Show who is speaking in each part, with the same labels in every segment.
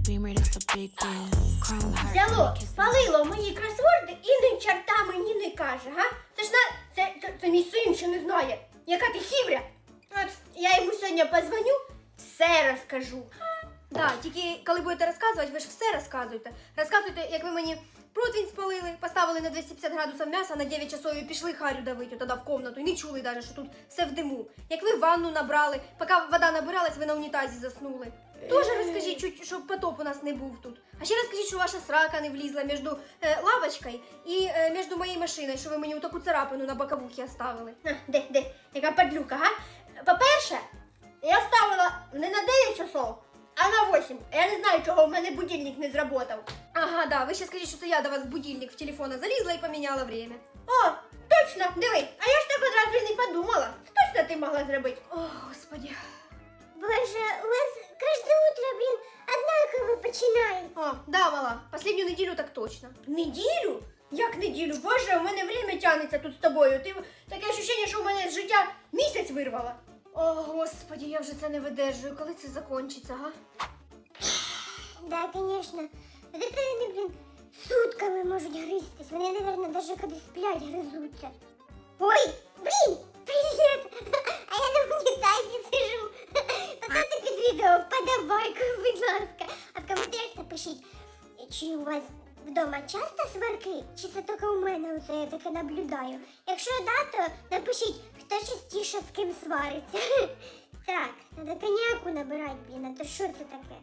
Speaker 1: Beamer, that's a big deal. Chrome heart.
Speaker 2: Взяло, спалило мої кросворди і ні чорта мені не каже, га? Це ж це мій син ще не знає. Яка ти хівря? От я йому сьогодні позвоню, все розкажу. Да, тільки коли будете розказувати, ви ж все розказуєте. Розказуйте, як ви мені противень спалили, поставили на 250 градусів м'яса на 9 часов і пішли харю давити тоді в комнату. І не чули навіть, що тут все в диму. Як ви ванну набрали, поки вода набиралась, ви на унітазі заснули. Тоже розкажіть, чуть, щоб потоп у нас не був тут. А ще розкажіть, що ваша срака не влізла між лавочкою і між моєю машиною, що ви мені таку царапину на боковухі оставили. Де? Яка падлюка, га? По-перше, я ставила не на 9 часов, а на 8. Я не знаю, чого в мене будильник не зработав. Ага, да, ви ще скажіть, що це я до вас в будильник в телефона залізла і поміняла время. О, точно, диви, а я ж так одразу і не подумала. Це точно ти могла зробити. О, Господи.
Speaker 3: Боже, у вас каждое утро, блин, однаково починает.
Speaker 2: О, да, мала, последню неділю так точно. Неділю? Як неділю? Боже, у мене время тягнеться тут з тобою. Ти таке ощущення, що у мене з життя місяць вирвала. О, Господи, я вже це не видержую. Коли це закінчиться, га?
Speaker 3: Да, конечно. Вот это они, блин, сутками можуть грызтись. Вони, наверное, даже коли сплять, гризуться. Ой, блин, привет! А я на унітазі сижу. Поставте під відео вподобайку, будь ласка. А в коментарях напишіть, чи у вас вдома часто сварки, чи це тільки у мене оце я таке наблюдаю. Якщо да, то напишіть, хто частіше з ким свариться. Так, треба коньяку набирати, блін, а то що це таке?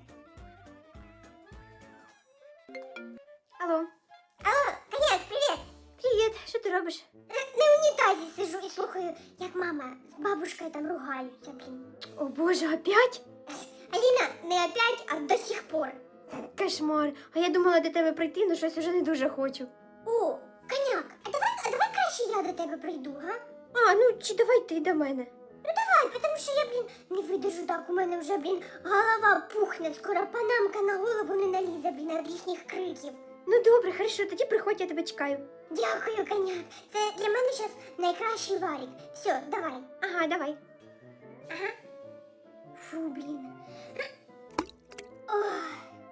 Speaker 2: Алло.
Speaker 3: Алло, коньяк, привіт!
Speaker 2: Привіт, що ти робиш?
Speaker 3: На унітазі сижу і слухаю, як мама з бабушкою там ругаються, блін.
Speaker 2: О Боже, опять?
Speaker 3: Аліна, не опять, а до сих пор.
Speaker 2: Кошмар. А я думала до тебе прийти, але щось уже не дуже хочу.
Speaker 3: О, коньяк, а давай краще я до тебе прийду, га?
Speaker 2: А, ну чи давай ти до мене?
Speaker 3: Ну давай, тому що я, блін, не видержу так, у мене вже, блін, голова пухне, скоро панамка на голову не налізе, блін, від їхніх криків.
Speaker 2: Ну добре, хорошо, тоді приходь, я тебе чекаю.
Speaker 3: Дякую, коньяк. Це для мене зараз найкращий варік. Все, давай.
Speaker 2: Ага, давай.
Speaker 3: Ага. Фу, блін. Ох.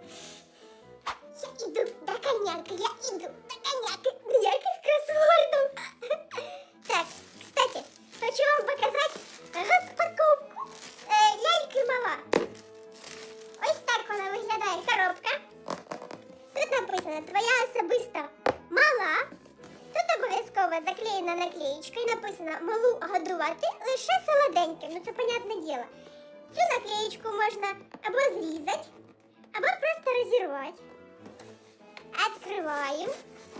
Speaker 3: Я іду до коньяка, я іду до коньяка. Ніяких кросвордів. Так, кстати, хочу вам показати розпаковку ляльки мала. Ось так вона виглядає, коробка. Тут написано «Твоя особиста мала». Тут обов'язково заклеєна наклеєчка і написано «Малу годувати лише солоденьким». Ну це понятне діло. Цю наклеєчку можна або зрізати, або просто розірвати. Відкриваємо.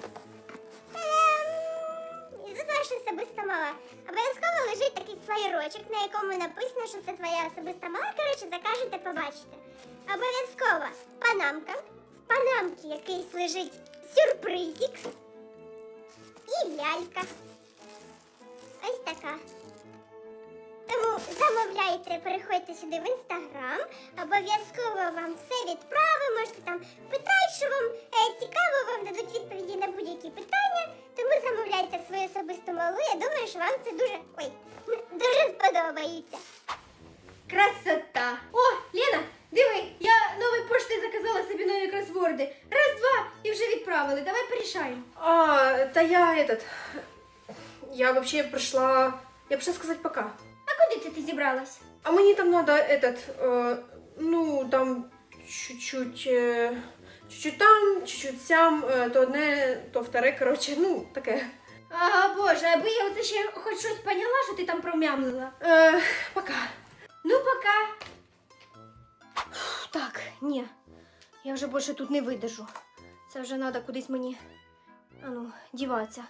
Speaker 3: І тут ваша особиста мала. Обов'язково лежить такий флаєрочок, на якому написано, що це твоя особиста мала. Коротше, закажете, побачите. Обов'язково панамка. В панамці якийсь лежить сюрпризик. І лялька. Ось така. Тому замовляйте, переходьте сюди в Інстаграм. Обов'язково вам все відправимо. Можете там питати, що вам цікаво, вам дадуть відповіді на будь-які питання. Тому замовляйте свою особисту малу. Я думаю, що вам це дуже сподобається.
Speaker 2: Красота! О, Лена, диви, я нової пошти заказала собі нові кросворди. Раз, два, і вже відправили. Давай порішаємо.
Speaker 4: Та я вообще пришла сказать пока.
Speaker 2: А куди це ти зібралась?
Speaker 4: А мне там надо там чуть-чуть там, чуть-чуть сям, то одне, то вторе, короче, таке.
Speaker 2: Ага, Боже, аби я оце ще хоч щось поняла, що ти там промямлила.
Speaker 4: Пока.
Speaker 2: Ну, пока. Так, ні, я вже більше тут не видержу. Це вже треба кудись мені, діватися.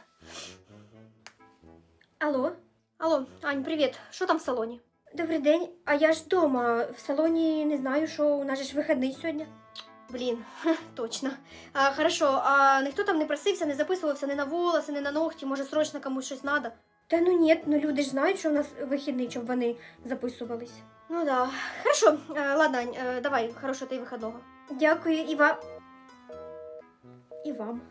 Speaker 2: Алло? Алло, Ань, привіт. Що там в салоні? Добрий день. А я ж вдома. В салоні не знаю, що у нас же ж вихідний сьогодні. Блін, точно. Хорошо, а ніхто там не просився, не записувався ні на волоси, ні на ногті, може срочно комусь щось треба? Та ні, люди ж знають, що у нас вихідний, щоб вони записувались. Ну да. Хорошо, ладно, Ань, давай, хорошого тобі вихідного. Дякую, і вам.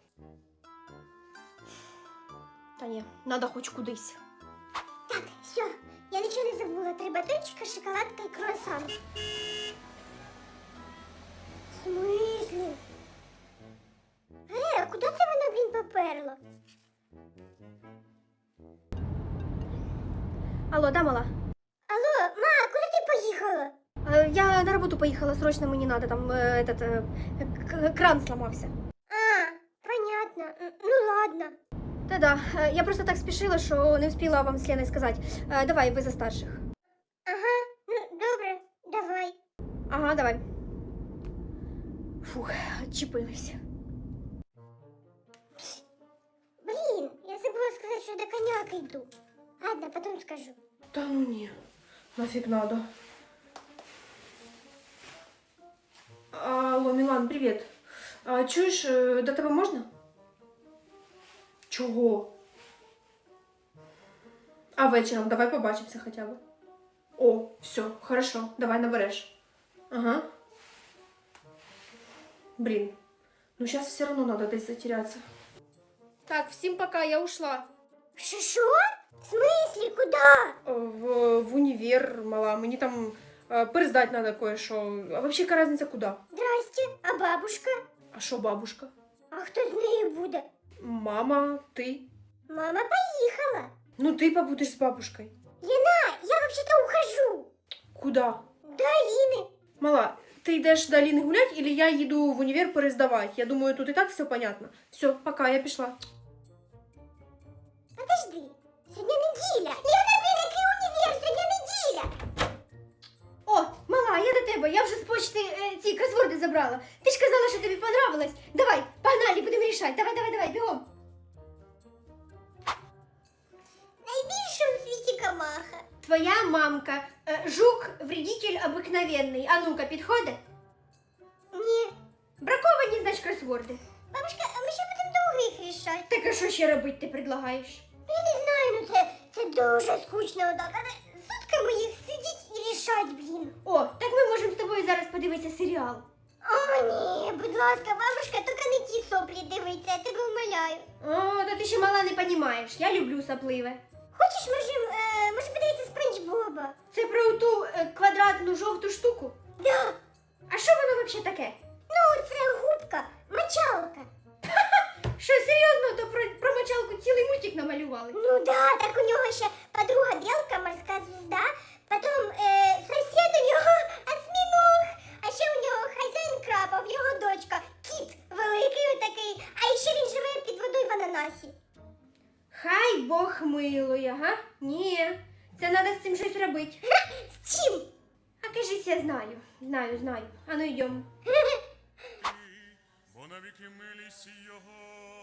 Speaker 2: Та ні, треба хоч кудись.
Speaker 3: Так, все, я нічого не забула. 3 батончика, шоколадка і круасан. В смислі? А куди це воно, блін, поперло?
Speaker 2: Алло, да, мала?
Speaker 3: Алло, ма, куди ти поїхала?
Speaker 2: Я на работу поехала, срочно мне надо, там кран сломался.
Speaker 3: А, понятно. Ну ладно.
Speaker 2: Да-да, я просто так спешила, что не успела вам с Леной сказать. Давай, вы за старших.
Speaker 3: Ага, ну добре, давай.
Speaker 2: Ага, давай. Фух, отчепилась.
Speaker 3: Блін, я забула сказати, що до коняки йду. Ладно, потім скажу.
Speaker 4: Та ну ні, нафіг надо. Алло, Мілан, привіт. Чуєш, до тебе можна? Чого? А вечором давай побачимося хоча б. О, все, хорошо, давай набереш. Ага. Блин, ну сейчас все равно надо десь затеряться. Так, всем пока, я ушла.
Speaker 3: Що? В смислі, куди?
Speaker 4: В универ, мала, мені там пересдать надо кое-що. А вообще, яка разниця куди?
Speaker 3: Здрасте, а бабушка?
Speaker 4: А що бабушка?
Speaker 3: А хто з нею буде?
Speaker 4: Мама, ти?
Speaker 3: Мама поїхала.
Speaker 4: Ну ти побудеш з бабушкою.
Speaker 3: Лена, я вообще-то ухожу.
Speaker 4: Куда?
Speaker 3: До Аліни.
Speaker 4: Мала, ти йдеш до Аліни гулять, или я їду в універ перездавати? Я думаю, тут і так все понятно. Все, пока, я пішла.
Speaker 3: Подожди, сьогодні неділя. Лена, блін, який універ, сьогодні неділя.
Speaker 2: О, мала, я до тебе, я вже з почти ці кросворди забрала. Ти ж казала, що тобі понравилось. Давай, погнали, будемо рішати. Давай, бігом.
Speaker 3: Найбільша у світі камаха.
Speaker 2: Твоя мамка, жук, вредитель обыкновенный. А ну-ка, підходи.
Speaker 3: Ні.
Speaker 2: Браковані, значить, кросворди.
Speaker 3: Бабушка, а ми ще будемо довго їх рішати.
Speaker 2: Так а що ще робити ти предлагаєш?
Speaker 3: Я не знаю, ну це дуже скучно отак. Але сутками їх сидіть і рішать, блін.
Speaker 2: О, так ми можемо з тобою зараз подивитися серіал.
Speaker 3: О, ні, будь ласка, бабушка, тільки не ті соплі дивиться, я тебе умоляю.
Speaker 2: О, та ти ще мала не понімаєш. Я люблю сапливе.
Speaker 3: Хочеш, може подивитися Спанч Боба?
Speaker 2: Це про ту квадратну жовту штуку?
Speaker 3: Да.
Speaker 2: А що воно взагалі таке?
Speaker 3: Ну, це губка, мочалка.
Speaker 2: Що, серйозно, то про мочалку цілий мультик намалювали?
Speaker 3: Ну да, так у нього ще подруга Белка, морська звізда, потім сусід у нього осьміног, а ще у нього хазяїн крабов, його дочка, кіт великий отакий, а ще він живе під водою в ананасі.
Speaker 2: Хай Бог милує, га? Ні, це треба з цим щось робити.
Speaker 3: З чим?
Speaker 2: А кажись, я знаю. Знаю. А ну йдемо.
Speaker 5: Бо навіки милість його.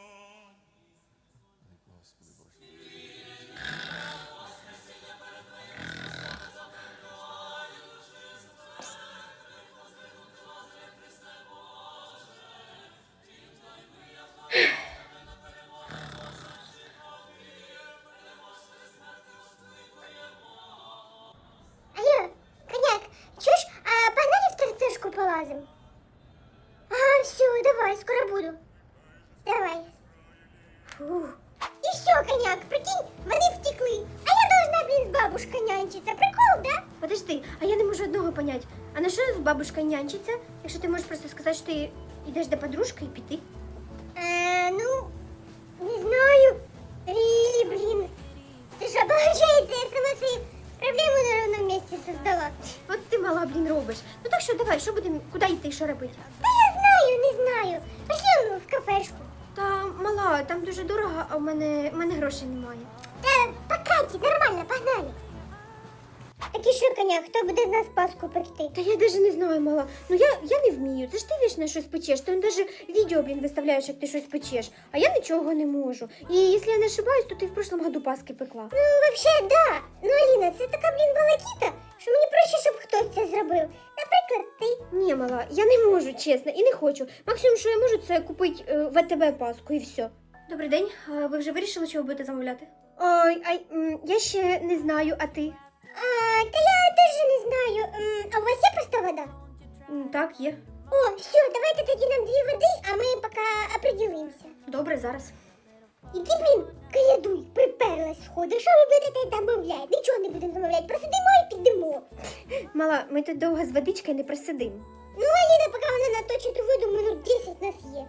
Speaker 3: Алло, коняк, чуєш, а погнали в торцешку полазим? Ага, все, давай, скоро буду. Давай. Фух. І все, коняк, прикинь, вони втекли. А я должна, блін, з бабушкою нянчиться. Прикол, да?
Speaker 2: Подожди, а я не можу одного понять. А на що з бабушкою нянчиться, якщо ти можеш просто сказати, що ти йдеш до подружки і піти?
Speaker 3: Ну, не знаю. Рілі, блін. Ти що, получається, я сама свої проблеми на ровному місці создала.
Speaker 2: От ти мала, блін, робиш. Ну так що, давай, що будемо, куди йти, що робити?
Speaker 3: Та я знаю, не знаю. Пошли в кафешку.
Speaker 2: Та мала, там дуже дорого, а в мене грошей немає.
Speaker 3: Та по Каті, нормально, погнали. Так і що, коня, хто буде з нас Пасху пекти?
Speaker 2: Та я навіть не знаю, мала. Ну я не вмію. Це ж ти вічно щось печеш. Ти навіть відео, блін, виставляєш, як ти щось печеш. А я нічого не можу. І якщо я не ошибаюсь, то ти в прошлом году Паски пекла.
Speaker 3: Ну, взагалі, да. Ну, Аліна, це така, блін, волокіта, що мені проще, щоб хтось це зробив. Наприклад, ти.
Speaker 2: Ні, мала, я не можу, чесно, і не хочу. Максимум, що я можу, це купити в АТБ Паску і все. Добрий день. Ви вже вирішили, чого будете замовляти? Ой, я ще не знаю, а ти?
Speaker 3: Та я теж не знаю. А у вас є просто вода?
Speaker 2: Так, є.
Speaker 3: О, все, давайте тоді нам 2 води, а ми поки определимося.
Speaker 2: Добре, зараз.
Speaker 3: Іди, блін, каядуй, приперлась сходи. Що ви будете замовляти? Нічого не будемо замовляти, просидимо і підемо.
Speaker 2: Мала, ми тут довго з водичкою не просидимо.
Speaker 3: Ну, а Аліна, поки вона наточить ту воду, минут 10 нас є.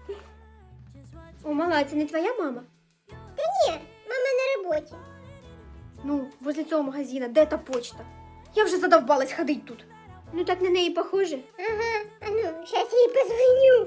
Speaker 2: О, мала, це не твоя мама?
Speaker 3: Та ні, мама на роботі.
Speaker 2: Ну, возле цього магазина, де та почта? Я вже задовбалась ходить тут. Ну так на неї похоже.
Speaker 3: Ага, а ну, зараз я їй позвоню.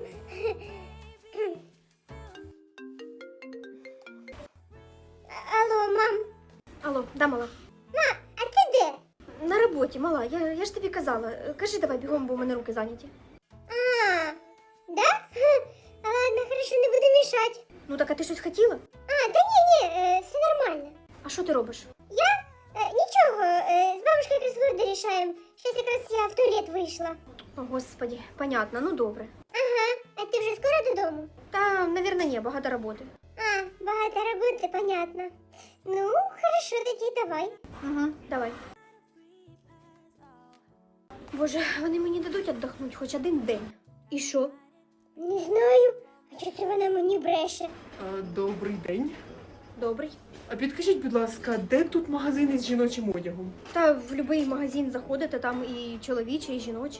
Speaker 3: Алло, мам.
Speaker 2: Алло, да, мала.
Speaker 3: Ма, а ти де?
Speaker 2: На роботі, мала, я ж тобі казала. Кажи давай бігом, бо у мене руки зайняті.
Speaker 3: А, да? Ладно, хорошо, не буду мешать.
Speaker 2: Ну так, а ти щось хотіла?
Speaker 3: А, да не, все нормально.
Speaker 2: А що ти робиш?
Speaker 3: Я? Нічого, з бабушкою кроссворди рішаємо. Щас якраз я в туалет вийшла.
Speaker 2: О, господі, понятно, ну добре.
Speaker 3: Ага, а ти вже скоро додому?
Speaker 2: Та, навірно, ні, багато роботи.
Speaker 3: А, багато роботи, понятно. Ну, хорошо, тоді давай.
Speaker 2: Угу, давай. Боже, вони мені дадуть віддохнути хоч один день. І що?
Speaker 3: Не знаю. А чого це вона мені бреше?
Speaker 4: Добрий день.
Speaker 2: Добрий.
Speaker 4: А підкажіть, будь ласка, де тут магазини з жіночим одягом?
Speaker 2: Та в будь-який магазин заходите, там і чоловіче, і жіноче.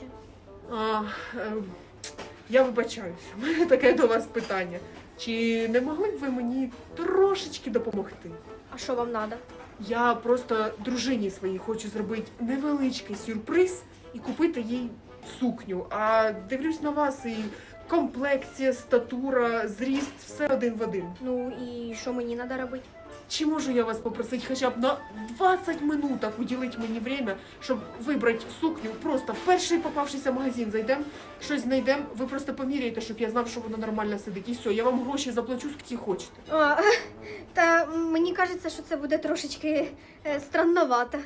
Speaker 4: Я вибачаюсь, у мене таке до вас питання. Чи не могли б ви мені трошечки допомогти?
Speaker 2: А що вам треба?
Speaker 4: Я просто дружині своїй хочу зробити невеличкий сюрприз і купити їй сукню. А дивлюсь на вас і комплекція, статура, зріст, все один в один.
Speaker 2: Ну і що мені треба робити?
Speaker 4: Чи можу я вас попросити хоча б на 20 минуток уділити мені время, щоб вибрати сукню? Просто в перший попавшийся магазин зайдемо, щось знайдемо, ви просто поміряєте, щоб я знав, що воно нормально сидить. І все, я вам гроші заплачу, скільки хочете.
Speaker 2: Та мені кажеться, що це буде трошечки странновато.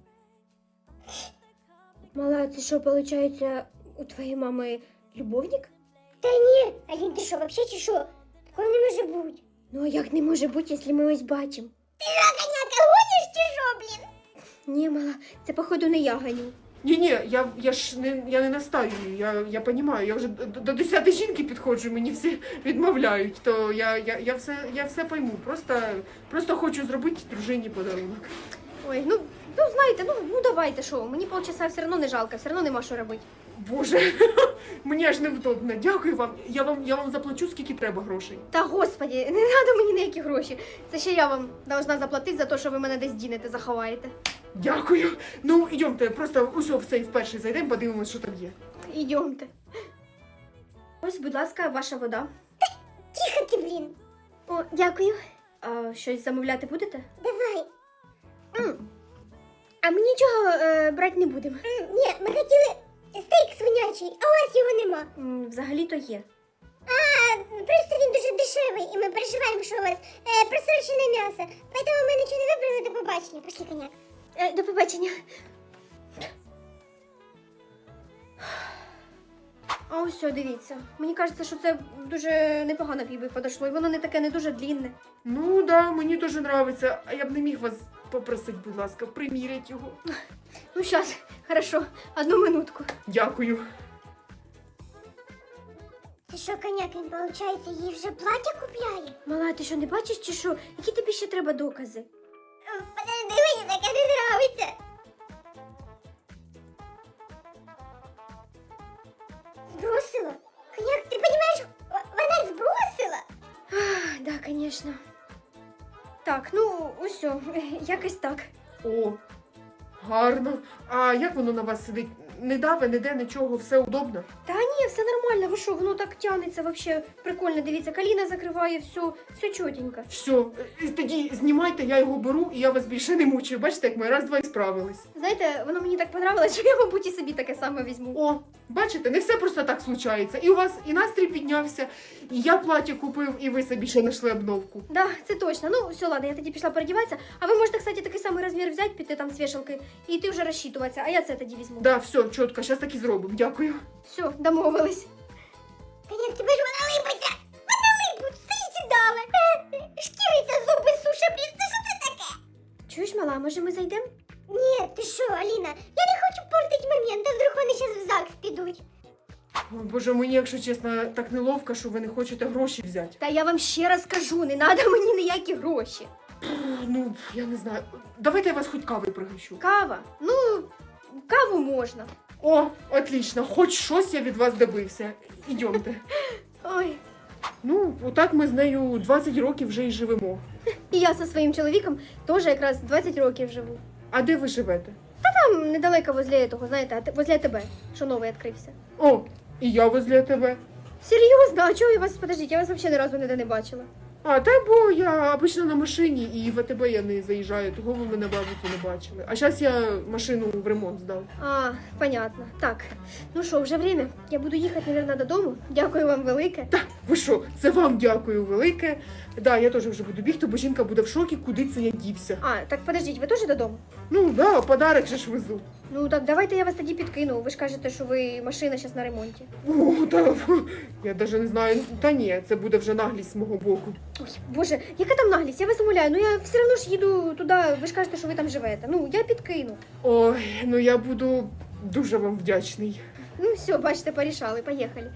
Speaker 2: Мала, це що, виходить, у твоєї мами любовник?
Speaker 3: Та ні, Алін, ти що, вообще чи що? Такого не може бути.
Speaker 2: Ну а як не може бути, якщо ми ось бачимо?
Speaker 3: Ти що, коняка, гониш чи що, блін?
Speaker 2: Ні, мала, це походу не я ганю.
Speaker 4: Ні, я не настаю, я розумію, я вже до 10 жінки підходжу, мені всі відмовляють, то я все пойму, просто хочу зробити дружині подарунок.
Speaker 2: Ой, ну знаєте, ну давайте, що, мені полчаса все одно не жалко, все одно нема що робити.
Speaker 4: Боже, мені аж невдобно, дякую вам, я вам заплачу, скільки треба грошей.
Speaker 2: Та господі, не треба мені ніякі гроші. Це ще я вам должна заплатити за те, що ви мене десь дінете, заховаєте.
Speaker 4: Дякую. Ну, йдемте, просто усьо в цей вперше зайдемо, подивимось, що там є.
Speaker 2: Ідемте. Ось, будь ласка, ваша вода.
Speaker 3: Тихо ти, блін.
Speaker 2: О, дякую. А щось замовляти будете?
Speaker 3: Давай.
Speaker 2: А ми нічого брати не будемо.
Speaker 3: Ні, ми хотіли стейк свинячий, а у вас його нема.
Speaker 2: Взагалі-то є.
Speaker 3: А, просто він дуже дешевий, і ми переживаємо, що у вас просрочене м'ясо. Поэтому ми нічого не вибрали, до побачення. Пошли, коняк.
Speaker 2: До побачення. А ось, все, дивіться. Мені кажеться, що це дуже непогано бібі подошло, і воно не таке не дуже длінне.
Speaker 4: Ну, да, мені дуже подобається, а я б не міг вас попросити, будь ласка, приміряти його.
Speaker 2: Ну, зараз, хорошо, одну минутку.
Speaker 4: Дякую.
Speaker 3: Ти що, коняк, він, виходить, їй вже плаття купляє?
Speaker 2: Мала, ти що, не бачиш чи що? Які тобі ще треба докази?
Speaker 3: Подожди, мені таке не нравиться. Збросила? Коняк, ти розумієш, вона збросила?
Speaker 2: Да, звісно. Так, ну, усьо, якось так.
Speaker 4: О, гарно. А як воно на вас сидить? Не даве, ніде, нічого, все удобно?
Speaker 2: Та ні, все нормально, ви що, воно так тягнеться, вообще прикольно, дивіться, коліна закриває, все чотенько.
Speaker 4: Все, тоді знімайте, я його беру, і я вас більше не мучаю. Бачите, як ми раз-два і справились.
Speaker 2: Знаєте, воно мені так понравилось, що я, мабуть, і собі таке саме візьму.
Speaker 4: О, бачите, не все просто так случається. І у вас і настрій піднявся, і я плаття купив, і ви собі ще знайшли обновку.
Speaker 2: Да, це точно. Ну, все, ладно, я тоді пішла переодіватися. А ви можете, кстати, такий самий розмір взяти, піти там з вішалки, і ти вже розчитуватися, а я це тоді візьму.
Speaker 4: Да, все, чітко, зараз так і зробимо. Дякую.
Speaker 2: Все, домовились.
Speaker 3: Коняк, тебе ж вона липиться. Вона липуть, стоїть і дали. Шкіриться, зуби суша, блін, це що це таке?
Speaker 2: Чуєш, мала, може ми зайдемо?
Speaker 3: Ні, ти що, Аліна, я не хочу портити момент, а вдруг вони зараз в ЗАГС підуть.
Speaker 4: О, Боже, мені, якщо чесно, так неловко, що ви не хочете гроші взяти.
Speaker 2: Та я вам ще раз кажу, не треба мені ніякі гроші.
Speaker 4: Ну, я не знаю. Давайте я вас хоч кавою пригощу.
Speaker 2: Кава? Ну, каву можна.
Speaker 4: О, отлично, хоч щось я від вас добився. Ідемте.
Speaker 2: Ой.
Speaker 4: Ну, отак ми з нею 20 років вже й живемо.
Speaker 2: І я зі своїм чоловіком теж якраз 20 років живу.
Speaker 4: А де ви живете?
Speaker 2: Там недалеко возле того, знаєте, возле тебе, що новий відкрився.
Speaker 4: О, і я возле тебе.
Speaker 2: Серйозно? А чого я вас, подождіть, я вас взагалі ні разу ніде не бачила.
Speaker 4: А, та бо я обично на машині, і в АТБ я не заїжджаю, того ви мене, мабуть, і не бачили. А зараз я машину в ремонт здав.
Speaker 2: А, понятно. Так, ну що, вже время. Я буду їхати, мабуть, додому. Дякую вам велике.
Speaker 4: Та, ви що, це вам дякую велике. Да, я теж вже буду бігти, бо жінка буде в шокі, куди це я дівся.
Speaker 2: А, так подождіть, ви теж додому?
Speaker 4: Ну, да, подарок же ж везу.
Speaker 2: Ну так давайте я вас тоді підкину. Ви ж кажете, що ви машина зараз на ремонті.
Speaker 4: О, та, я навіть не знаю. Та ні, це буде вже наглість з мого боку.
Speaker 2: Ой, боже, яка там наглість? Я вас умоляю, ну я все одно ж їду туди, ви ж кажете, що ви там живете. Ну, я підкину.
Speaker 4: Ой, ну я буду дуже вам вдячний.
Speaker 2: Ну все, бачите, порішали, поїхали.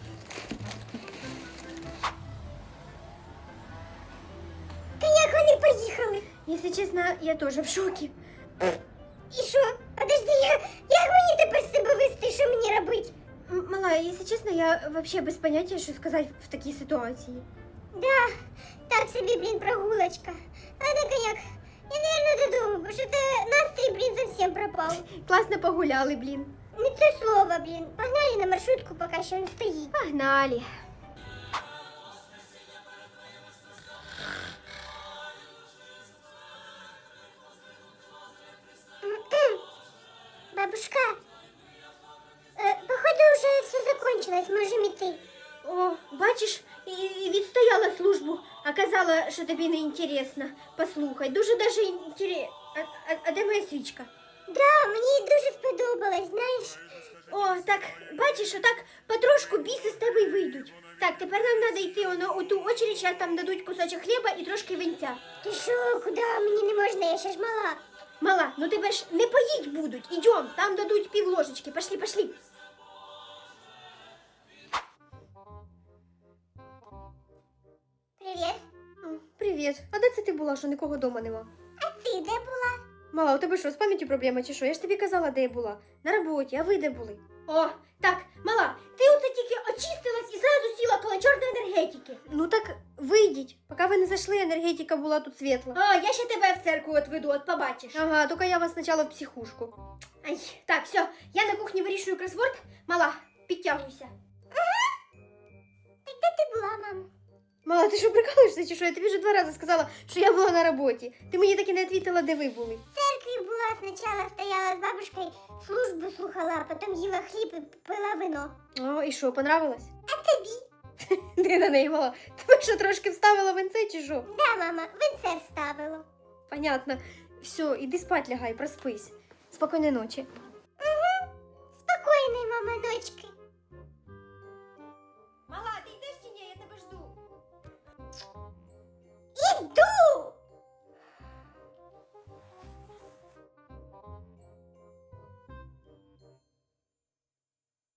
Speaker 3: Та як вони поїхали?
Speaker 2: Якщо чесно, я теж в шокі.
Speaker 3: І що? Подожди, як мені тепер себе вести, що мені робити?
Speaker 2: Мала, якщо чесно, я взагалі без поняття, що сказати в такій ситуації.
Speaker 3: Да, так собі, блін, прогулочка. Ладно, коняк, я, наверное, додому, бо що то настрій, блін, зовсім пропав.
Speaker 2: Класно погуляли, блін.
Speaker 3: Не те слово, блін. Погнали на маршрутку, поки що не стоїть.
Speaker 2: Погнали.
Speaker 3: Бабушка, походу вже все закончилось, можемо йти.
Speaker 2: О, бачиш, і відстояла службу, а казала, що тобі не інтересно. Послухай, дуже даже інтересно. А де моя свічка?
Speaker 3: Да, мені дуже сподобалось, знаєш.
Speaker 2: О, так, бачиш, отак потрошку біси з тебе й вийдуть. Так, тепер нам треба йти у ту очередь, зараз там дадуть кусочок хліба і трошки винця.
Speaker 3: Ти що, куди? Мені не можна, я ще ж мала.
Speaker 2: Мала, ну тебе ж не поїть будуть. Ідем, там дадуть півложечки. Пошли, пошли.
Speaker 3: Привіт.
Speaker 2: Привіт. А де це ти була, що нікого вдома нема?
Speaker 3: А ти де була?
Speaker 2: Мала, у тебе що, з пам'яттю проблема чи що? Я ж тобі казала, де я була. На роботі, а ви де були? О, так, мала, ти оце тільки очистилась і зразу сіла коло чорної енергетики. Ну так вийдіть. Поки ви не зайшли, енергетика була тут світла. А, я ще тебе в церкву отведу, от побачиш. Ага, тільки я вас спочатку в психушку. Ай, так, все, я на кухні вирішую кросворд. Мала, підтягуйся.
Speaker 3: Так де ти була, мам?
Speaker 2: Мала, ти що прикалуєшся чи що? Я тобі вже 2 рази сказала, що я була на роботі. Ти мені так і не відповіла, де ви були.
Speaker 3: В церкві була, спочатку стояла з бабушкою, службу слухала, а потім їла хліб і пила вино.
Speaker 2: О, і що, понравилось?
Speaker 3: А тобі?
Speaker 2: Ти на неї мала. Тебе що, трошки вставила венце чи що?
Speaker 3: Да, мама, винце вставило.
Speaker 2: Понятно. Все, іди спать лягай, проспись. Спокійної ночі.
Speaker 3: Спокійної, мама, ночки.